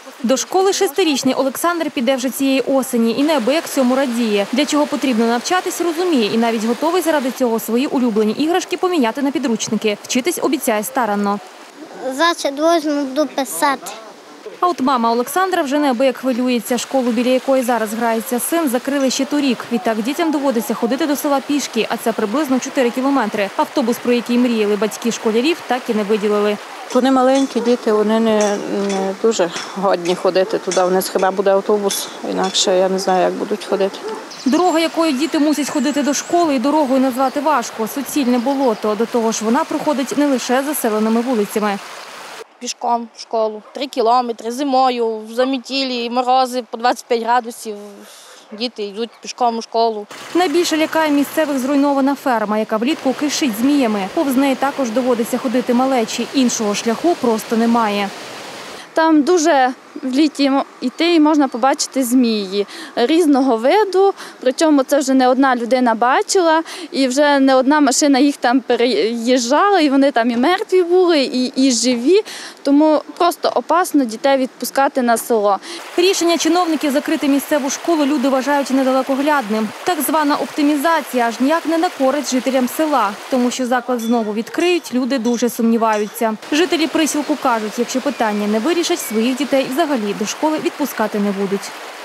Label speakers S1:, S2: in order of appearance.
S1: До школи 6-річний Олександр піде вже цієї осені і неабияк цьому радіє. Для чого потрібно навчатись, розуміє і навіть готовий заради цього свої улюблені іграшки поміняти на підручники. Вчитись обіцяє старанно.
S2: Завтра возьму, буду писати.
S1: А от мама Олександра вже неабияк хвилюється. Школу, біля якої зараз грається син, закрили ще торік. Відтак дітям доводиться ходити до села пішки, а це приблизно 4 кілометри. Автобус, про який мріяли батьки школярів, так і не виділили.
S3: Вони маленькі діти, вони не дуже годні ходити туди. У них хіба буде автобус, інакше я не знаю, як будуть ходити.
S1: Дорога, якою діти мусять ходити до школи, і дорогою назвати важко. Суцільне болото. До того ж, вона проходить не лише заселеними вулицями.
S4: Пішком в школу. 3 кілометри зимою, в замітілі, морози по 25 градусів. Діти йдуть пішком у школу.
S1: Найбільше лякає місцевих зруйнована ферма, яка влітку кишить зміями. Повз неї також доводиться ходити малечі. Іншого шляху просто немає.
S5: Там дуже в літі йти і можна побачити змії різного виду, причому це вже не одна людина бачила, і вже не одна машина їх там переїжджала, і вони там і мертві були, і живі, тому просто опасно дітей відпускати на село.
S1: Рішення чиновників закрити місцеву школу люди вважають недалекоглядним. Так звана оптимізація аж ніяк не на користь жителям села, тому що заклад знову відкриють, люди дуже сумніваються. Жителі присілку кажуть, якщо питання не вирішать, своїх дітей взагалі до школи відпускати не будуть.